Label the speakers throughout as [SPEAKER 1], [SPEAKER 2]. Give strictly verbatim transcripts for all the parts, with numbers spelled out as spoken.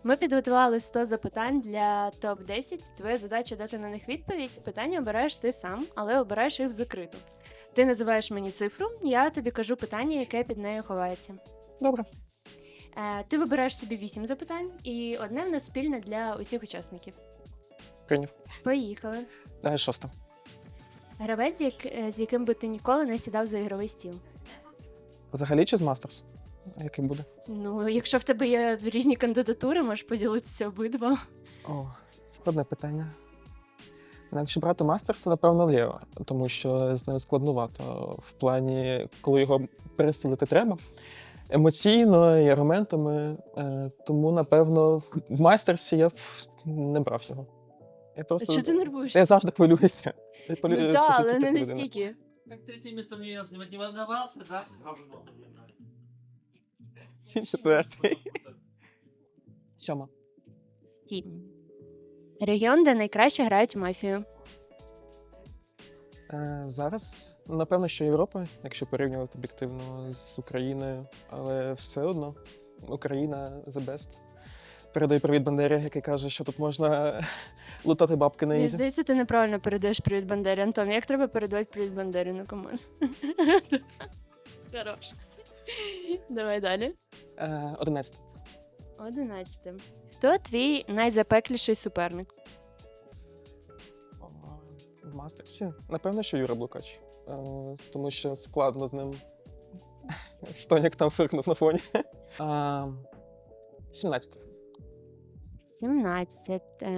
[SPEAKER 1] Ми підготували сто запитань для топ десять. Твоя задача дати на них відповідь. Питання обираєш ти сам, але обираєш їх в закриту. Ти називаєш мені цифру, я тобі кажу питання, яке під нею ховається.
[SPEAKER 2] Добре.
[SPEAKER 1] Е, ти вибираєш собі вісім запитань, і одне в нас спільне для усіх учасників.
[SPEAKER 2] Прийняв.
[SPEAKER 1] Поїхали.
[SPEAKER 2] Давай шоста.
[SPEAKER 1] Гравець, як, е, з яким би ти ніколи не сідав за ігровий стіл.
[SPEAKER 2] Взагалі чи з Мастерс? Який буде?
[SPEAKER 1] Ну, якщо в тебе є різні кандидатури, можеш поділитися обидва.
[SPEAKER 2] О, складне питання. Ну, якщо брати Мастерс, то, напевно, Лео, тому що з ним складнувато в плані, коли його пересилити треба. Емоційно і аргументами. Е, тому, напевно, в- в Мастерсі я б не брав його. Я просто...
[SPEAKER 1] Чого ти нервуєшся?
[SPEAKER 2] Я завжди хвилююся. Я полю-
[SPEAKER 1] Ну так,
[SPEAKER 2] по
[SPEAKER 1] але
[SPEAKER 2] житті
[SPEAKER 1] не
[SPEAKER 2] така людина.
[SPEAKER 1] настільки.
[SPEAKER 3] Как третье место мне не не волновался, да? Говно.
[SPEAKER 2] Четвертий. Сьома.
[SPEAKER 1] Сім. Регіон, де найкраще грають в мафію.
[SPEAKER 2] Е, зараз, напевно, що Європа, якщо порівнювати об'єктивно з Україною, але все одно Україна the best. Передаю привіт Бандері, який каже, що тут можна лутати бабки на
[SPEAKER 1] Мені
[SPEAKER 2] ізі.
[SPEAKER 1] здається, ти неправильно передаєш привіт Бандері. Антон, як треба передавати привіт Бандері? Ну, комусь. Хорош. Давай далі.
[SPEAKER 2] Е, Одинадцяте.
[SPEAKER 1] Одинадцяте. Хто твій найзапекліший суперник?
[SPEAKER 2] О, В Мастерсі? Напевно, що Юра Блукач. Е, тому що складно з ним. Стонік там фиркнув на фоні. Е, Сімнадцяте.
[SPEAKER 1] Сімнадцяте.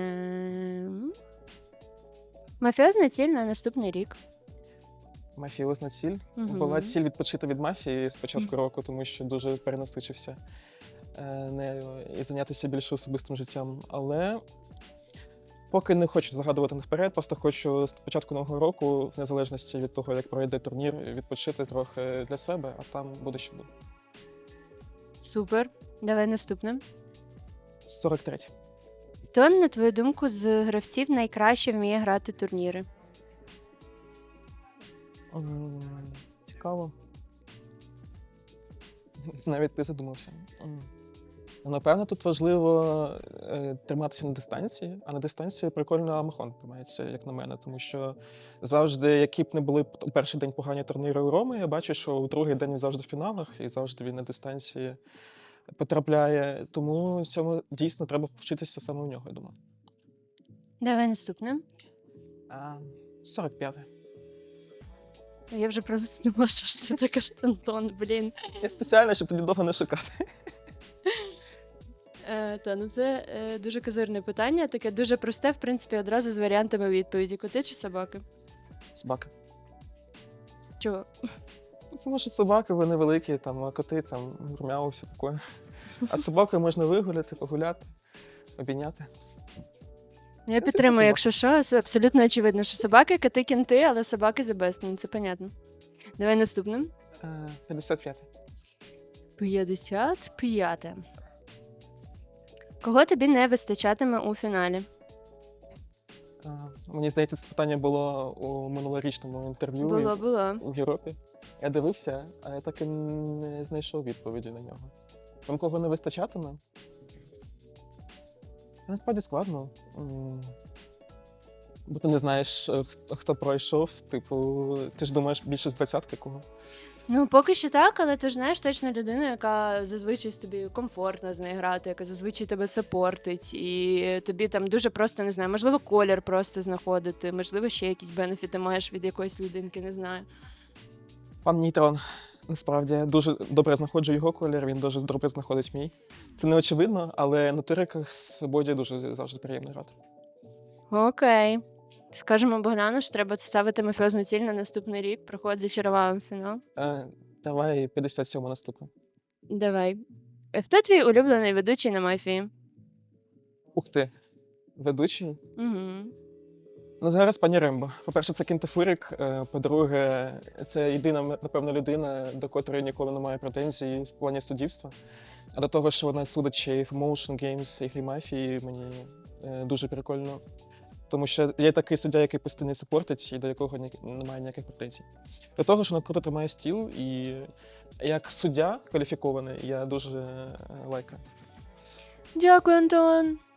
[SPEAKER 1] Мафіозна ціль на наступний рік.
[SPEAKER 2] Мафіозна ціль.
[SPEAKER 1] Мгм.
[SPEAKER 2] Була ціль відпочити від мафії з початку року, тому що дуже перенасичився е, нею і зайнятися більше особистим життям. Але поки не хочу загадувати наперед, просто хочу з початку нового року, в незалежності від того, як пройде турнір, відпочити трохи для себе, а там буде що буде.
[SPEAKER 1] Супер. Давай наступне.
[SPEAKER 2] сорок третє.
[SPEAKER 1] Хто, на твою думку, з гравців найкраще вміє грати турніри?
[SPEAKER 2] М, Цікаво. Навіть ти задумався. М. Ну, Напевно, тут важливо е, триматися на дистанції, а на дистанції прикольно Амахон тримається, як на мене, тому що завжди, які б не були п- у перший день погані турніри у Роми, я бачу, що у другий день він завжди в фіналах і завжди він на дистанції потрапляє. Тому цьому дійсно треба вчитися саме у нього, я думаю.
[SPEAKER 1] Давай наступне.
[SPEAKER 2] А, сорок п'яте.
[SPEAKER 1] Я вже проснула, що ж ти така ж, Антон, блін.
[SPEAKER 2] Я спеціально, щоб тобі довго не шукати.
[SPEAKER 1] Е, та, ну це е, дуже козирне питання, таке дуже просте, в принципі, одразу з варіантами відповіді. Коти чи собаки?
[SPEAKER 2] Собака.
[SPEAKER 1] Чого?
[SPEAKER 2] Ну, Тому що собаки, вони великі, там, а коти, там, гурмяу, все таке. А з собакою можна вигуляти, погуляти, обійняти.
[SPEAKER 1] Ну, я
[SPEAKER 2] це
[SPEAKER 1] підтримую,
[SPEAKER 2] собака.
[SPEAKER 1] якщо що, це абсолютно очевидно, що собаки, коти, кінти, але собаки за best, ну це понятно. Давай наступне.
[SPEAKER 2] Е, п'ятдесят п'яте.
[SPEAKER 1] п'ятдесят п'яте. Кого тобі не вистачатиме у фіналі?
[SPEAKER 2] Е, Мені здається, це питання було у минулорічному інтерв'ю
[SPEAKER 1] Було, було.
[SPEAKER 2] в Європі. Я дивився, а я так і не знайшов відповіді на нього. Вам кого не вистачатиме? Насправді складно. М, Бо ти не знаєш, е, хто, хто пройшов. Типу, ти ж думаєш більше з двадцятки кого.
[SPEAKER 1] Ну, поки що так, але ти ж знаєш точно людину, яка зазвичай з тобі комфортно з нею грати, яка зазвичай тебе сапортить, і тобі там дуже просто, не знаю, можливо, колір просто знаходити, можливо, ще якісь бенефіти маєш від якоїсь людинки, не знаю.
[SPEAKER 2] Пан Нейтрон. Насправді я дуже добре знаходжу його колір, він дуже добре знаходить мій. Це не очевидно, але на туриках з Боді дуже завжди приємно грати.
[SPEAKER 1] Окей. Скажемо Богдану, що треба ставити мафіозну ціль на наступний рік, проходить зачарував фінал.
[SPEAKER 2] Е, давай п'ятдесят сьоме наступне.
[SPEAKER 1] Давай. Е, Хто твій улюблений ведучий на мафії?
[SPEAKER 2] Ух ти, ведучий.
[SPEAKER 1] Угу.
[SPEAKER 2] Ну, зараз пані Рембо. По-перше, це Кінтафурік. е, По-друге, це єдина, напевно, людина, до котрої ніколи немає претензій в плані суддівства. А до того, що вона судить ще і в Motion Games, і в мафії, мені е, дуже прикольно. Тому що є такий суддя, який постійно супортить, і до якого ні, немає ніяких претензій. До того, що вона круто тримає стіл, і як суддя кваліфікований, я дуже е, лайкаю.
[SPEAKER 1] Дякую, Антон.